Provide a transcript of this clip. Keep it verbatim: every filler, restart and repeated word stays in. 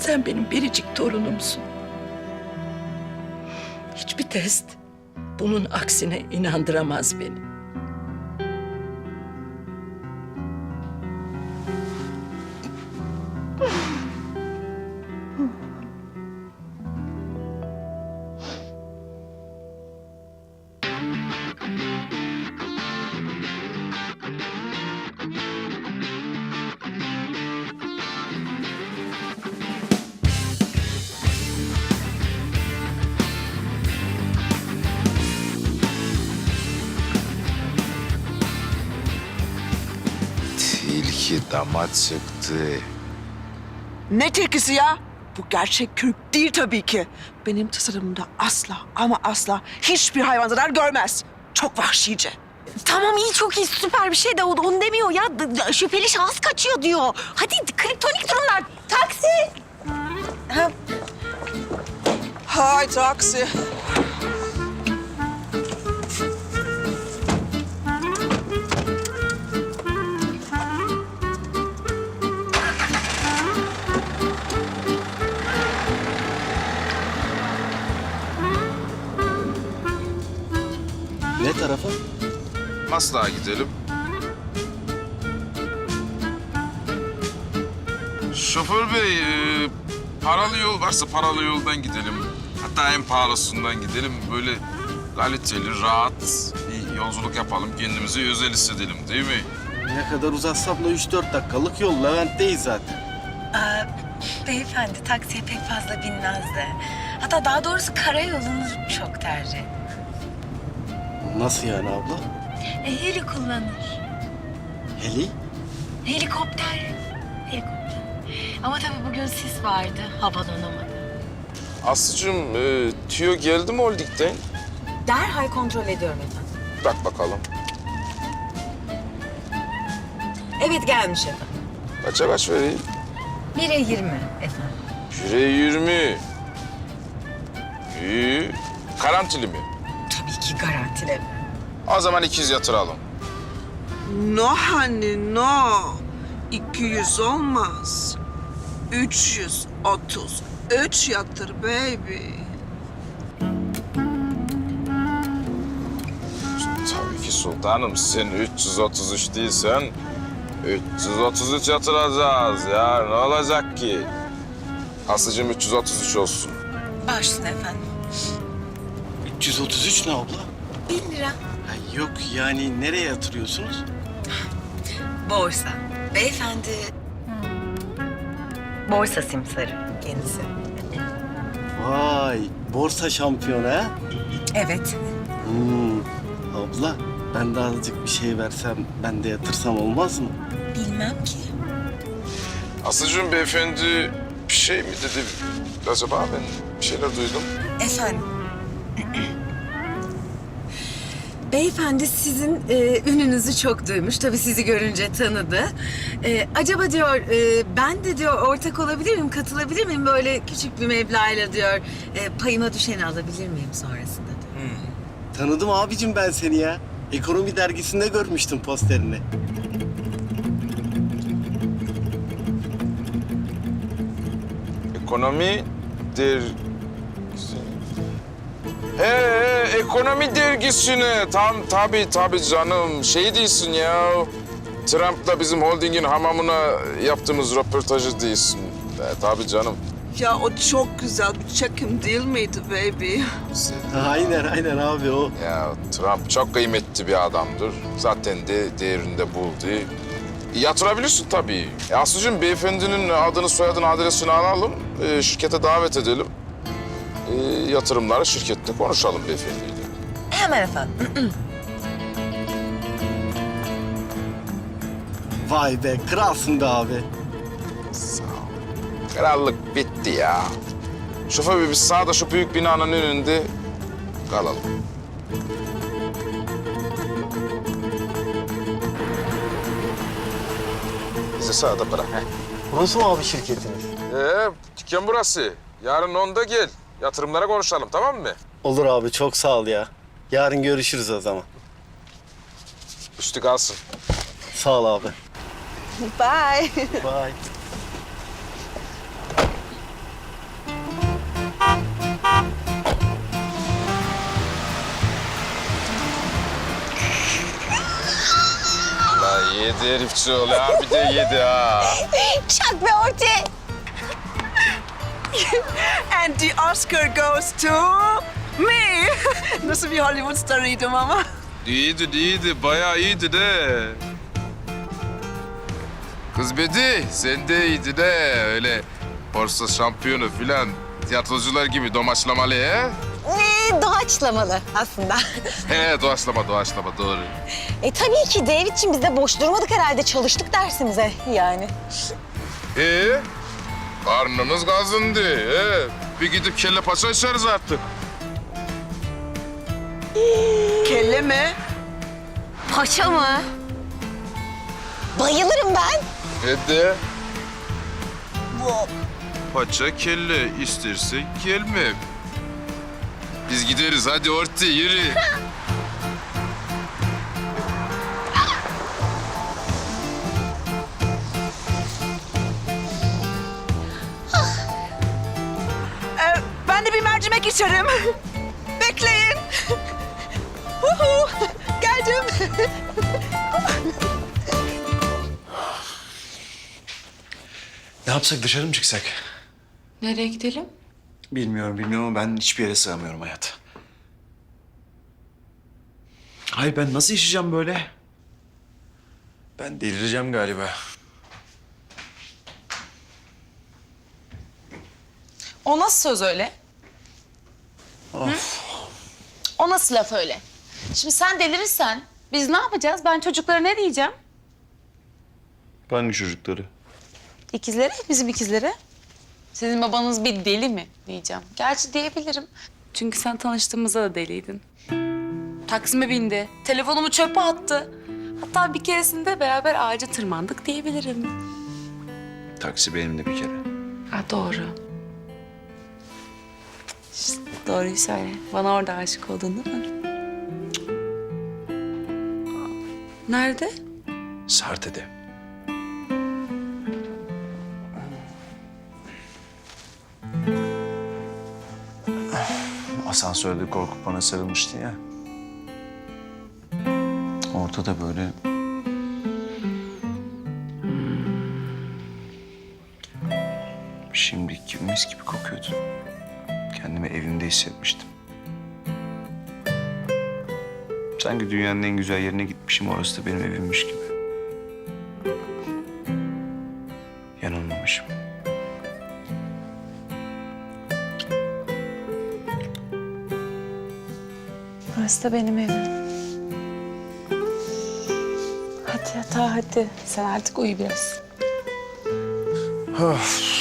Sen benim biricik torunumsun. Hiçbir test bunun aksine inandıramaz beni. Tilki dama çıktı. Ne tekisi ya? Bu gerçek kürk değil tabii ki. Benim tasarımımda asla ama asla hiçbir hayvan zarar görmez. Çok vahşice. Tamam iyi çok iyi süper bir şey de o onu demiyor ya. D- d- şüpheli şahıs kaçıyor diyor. Hadi kriptonik durumlar. Taksi. Ha, Hay taksi. Ne tarafa? Maslak'a gidelim. Şoför bey, e, paralı yol varsa paralı yoldan gidelim. Hatta en pahalısından gidelim. Böyle kaliteli, rahat bir yolculuk yapalım. Kendimizi özel hissedelim değil mi? Ne kadar uzatsam da üç dört dakikalık yol. Levent'teyiz zaten. aa, beyefendi taksiye pek fazla binmezdi. Hatta daha doğrusu karayolunu çok tercih etti. Nasıl yani abla? E, heli kullanır. Heli? Helikopter. Helikopter. Ama tabii bugün sis vardı. Havalanamadı. Aslıcığım, e, tüyo geldi mi Holding'den? Derhal kontrol ediyorum efendim. Bak bakalım. Evet gelmiş efendim. Kaça kaç vereyim? Bire yirmi efendim. Bire yirmi. İyi. Garantili mi? Tabii ki garantili. O zaman ikiz yatıralım. No honey no. iki yüz olmaz. üç yüz otuz üç yatır baby. Tabii ki sultanım. Sen üç yüz otuz üç değilsen üç yüz otuz üç yatıracağız ya. Ne olacak ki? Aslıcığım üç yüz otuz üç olsun. Başsın efendim. üç yüz otuz üç ne abla? Bin lira. Ha, yok yani nereye yatırıyorsunuz? Borsa. Beyefendi... Borsa simsarı kendisi. Vay borsa şampiyonu ha? Evet. Hmm, abla ben de azıcık bir şey versem ben de yatırsam olmaz mı? Bilmem ki. Aslıcığım beyefendi bir şey mi dedi? Acaba ben bir şeyler duydum. Efendim. Beyefendi sizin e, ününüzü çok duymuş. Tabii sizi görünce tanıdı. E, acaba diyor e, ben de diyor ortak olabilir miyim, katılabilir miyim? Böyle küçük bir meblağıyla diyor e, payıma düşeni alabilir miyim sonrasında diyor. Tanıdım abicim ben seni ya. Ekonomi dergisinde görmüştüm posterini. Ekonomi der... He, he, ekonomi dergisine. Tam tabii tabii canım. Şey değilsin ya. Trump'la bizim holdingin hamamına yaptığımız röportajı değilsin. E, tabii canım. Ya o çok güzel bir çekim değil miydi baby? Aynen aynen abi o. Ya Trump çok kıymetli bir adamdır. Zaten de değerinde buldu. Yatırabilirsin tabii. E, Aslıcığım beyefendinin adını, soyadını, adresini alalım. E, şirkete davet edelim. E, yatırımları şirkette konuşalım beyefendiyle. Hemen efendim. Vay be kralsın be abi. Sağ ol. Krallık bitti ya. Şoför bey biz sağda şu büyük binanın önünde kalalım. Bizi sağda bırak. Heh. Burası mı abi şirketiniz? Ee, dükkan burası. Yarın onda gel. Yatırımlara konuşalım, tamam mı? Olur abi çok sağ ol ya. Yarın görüşürüz o zaman. Üstü kalsın. Sağ ol abi. Bye. Bye. Hadi herifçi ol ya. Bir de yedi ha. Çak be Orti. And the Oscar goes to me. Nasıl bir Hollywood starıydım ama. İyiydi, iyiydi. Bayağı iyiydi de. Kız Bedi, sen de iyiydi de. Öyle borsa şampiyonu filan. Tiyatrocular gibi domaçlamalı he? Ee, doğaçlamalı aslında. He, doğaçlama, doğaçlama. Doğru. E tabii ki David'ciğim biz de boş durmadık herhalde. Çalıştık dersimize yani. Ee, karnımız gazındı. Ee, bir gidip kelle paça içeriz artık. Kelle mi? Paşa mı? Bayılırım ben. Hadi. Paça kelle istersen gelme. Biz gideriz hadi Orti yürü. Ee, ben de bir mercimek içerim. Bekleyin. Huhu, geldim. Ne yapsak, dışarı mı çıksak? Nereye gidelim? Bilmiyorum, bilmiyorum ama ben hiçbir yere sığamıyorum hayat. Hayır, ben nasıl yaşayacağım böyle? Ben delireceğim galiba. O nasıl söz öyle? Of. O nasıl laf öyle? Şimdi sen delirirsen biz ne yapacağız? Ben çocuklara ne diyeceğim? Hangi çocukları? İkizlere, bizim ikizlere. Sizin babanız bir deli mi diyeceğim. Gerçi diyebilirim. Çünkü sen tanıştığımızda da deliydin. Taksim'e bindi, telefonumu çöpe attı. Hatta bir keresinde beraber ağaca tırmandık diyebilirim. Taksi benim de bir kere. Ha doğru. İşte doğruyu söyle. Bana orada aşık oldun değil mi? Nerede? Sarte'de. Asansörde korkup bana sarılmıştı ya. Ortada böyle... Şimdi mis gibi kokuyordu. Kendimi evimde hissetmiştim. Sanki dünyanın en güzel yerine gitmişim, orası da benim evimmiş gibi. Yanılmamışım. Burası da benim evim. Hadi yatağa hadi. Sen artık uyu biraz. Of.